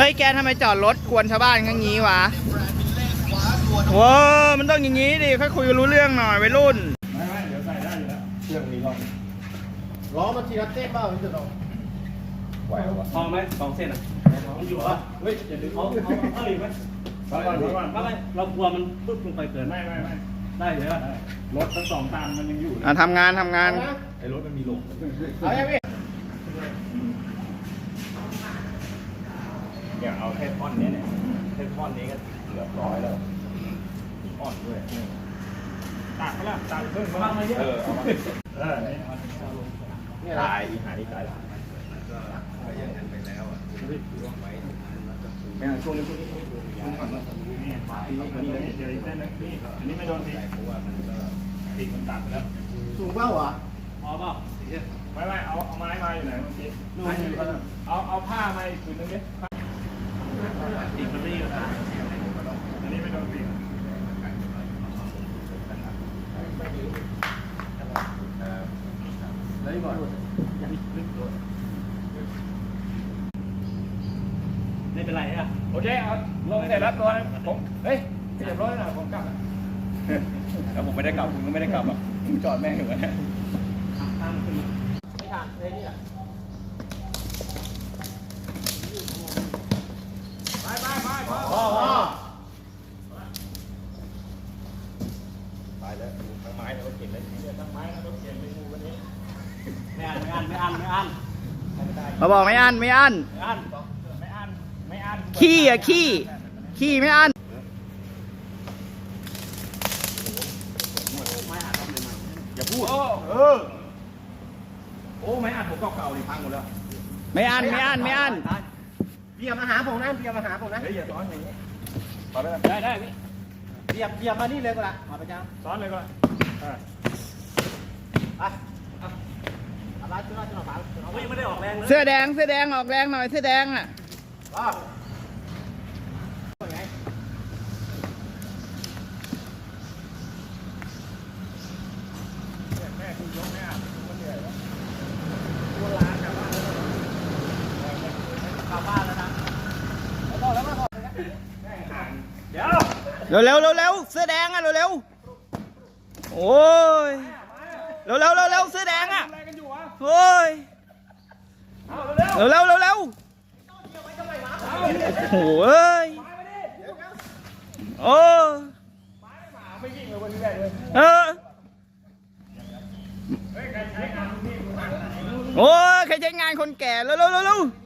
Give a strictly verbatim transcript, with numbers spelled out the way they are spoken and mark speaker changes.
Speaker 1: ฮ้ยแกทำไมจอดรถกวนชาวบ้านข้างนี้วะว้ามันต้องอย่างนี้ดิค่อยคุยกันรู้เรื่องหน่อยวัยรุ่น
Speaker 2: ไม่ไม่เดี๋ยวใส่ได้อยู่แล้วเครื่องมีล้อ
Speaker 3: ล้อมันทีละเต้นเปล่าพี่จะลอง
Speaker 2: ไหวหรอ
Speaker 4: พอไหมสองเส้นอ่ะมันอยู่เหรอเฮ้ยอย่าดึงเขาเขาเขาอีกไหม
Speaker 2: ฟังก่อนฟังก่อน
Speaker 4: ไม่เรากลัวมันปึ๊บลงไปเกิน
Speaker 2: ไม่ไม่ไม่
Speaker 4: ได้เลยป่ะ
Speaker 2: รถทั้งสองตามมันยังอยู่
Speaker 1: อ่ะทำงานทำงาน
Speaker 2: ไอ้รถมันมีลง
Speaker 3: เอาอย่างพี่
Speaker 2: เนี่ยเอาแค่ท่อนนี้เนี่ยแค่ท่อนนี้ก็เกือบร้อยแล้วอ่อนด้วยตัดเขาละตัดเพิ่มมาเยอะเออเอามาเออนี่ตายอีหานี่ตายละก็ยังนั้นไปแล้วอ่ะไม่ช่วงนี้ช่วงนี้ช่วงก่อนนี่นี่เดี๋ยวอีกเส้นนึงนี่อันนี้ไม่โดนตีเพราะว่ามันก็ติดมันตัดแล้ว
Speaker 3: สูงเปล่าอ่ะ
Speaker 4: พอเปล่า
Speaker 2: ไม่ไม่เอาเอาไม้มาอยู่ไหนเมื่อกี้เอาเอาผ้ามาอีกผืนนึงดิ
Speaker 4: ติดมันไม่อยู่นะ
Speaker 2: อันนี้ไม่โดนตี
Speaker 3: เลยก่อน
Speaker 4: ไม่เป็นไรอ่ะ
Speaker 2: โอเคเอาลงเสร็จแล้วตัวผมเฮ้ยเรียบร้อยแล้วผมกลับแล้วผมไม่ได้กลับคุณก็ไม่ได้กลับอ่ะผมจอดแม่งอยู่นะ
Speaker 4: ตั้งขึ้น
Speaker 3: ไม่ทานเลยนี่แหละ
Speaker 2: ไปไปไปพอ
Speaker 3: พอพอ
Speaker 2: ไปแล้วทั้งไม้แล้วก็เก็บเลยทั้งไม้แล้วก็เก็บไปงูวันนี้
Speaker 4: ไม่อันไม่อันไม่อันไม่อัน
Speaker 1: มาบอกไม่อันไม่อัน
Speaker 4: ไม่อัน
Speaker 2: ไม่อันไม่อัน
Speaker 1: ขี้อ่ะขี้ขี้ไม่อัน
Speaker 2: อย่าพูดเออโอ้ไม่อันผมเก่าๆดิพังหมดแล้ว
Speaker 1: ไม่อันไม่อันไม่อัน
Speaker 3: เบียบมาหาผมนะเบียบมาหาผมนะ
Speaker 2: เฮ้ยอย่าซ้อนอย่างนี้ซ้อนได้
Speaker 4: ได้ได้พี่
Speaker 3: เบียบเบียบมานี่เลยก็ละมาประจำ
Speaker 2: ซ้อนเลยก็อ่า
Speaker 3: ไปอะไรจุดอะไรจุดอะไร
Speaker 4: เขายังไม่ได้ออกแรงเลย
Speaker 1: เสื้อแดงเสื้อแดงออกแรงหน่อยเสื้อแดงอ่ะ
Speaker 2: แม่คุณยกแม่มันเหนื่อยแล้วตัวร้านกลับบ้าน
Speaker 3: กลับบ้านแล้วนะแล้วก็แล้วก็
Speaker 2: เดี๋ยว
Speaker 1: เร็วเร็วเร็วเร็วเสื้อแดงอ่ะเร็วเร็วโอ้ยเร็วเร็วเร็วเร็วเสื้อแดงอ่ะโอ้ยเร็วเร็วเร็วเร็วโอ้ยโอ้เออโอ้ยใครใช้งานคนแก่เร็วเร็วเร็ว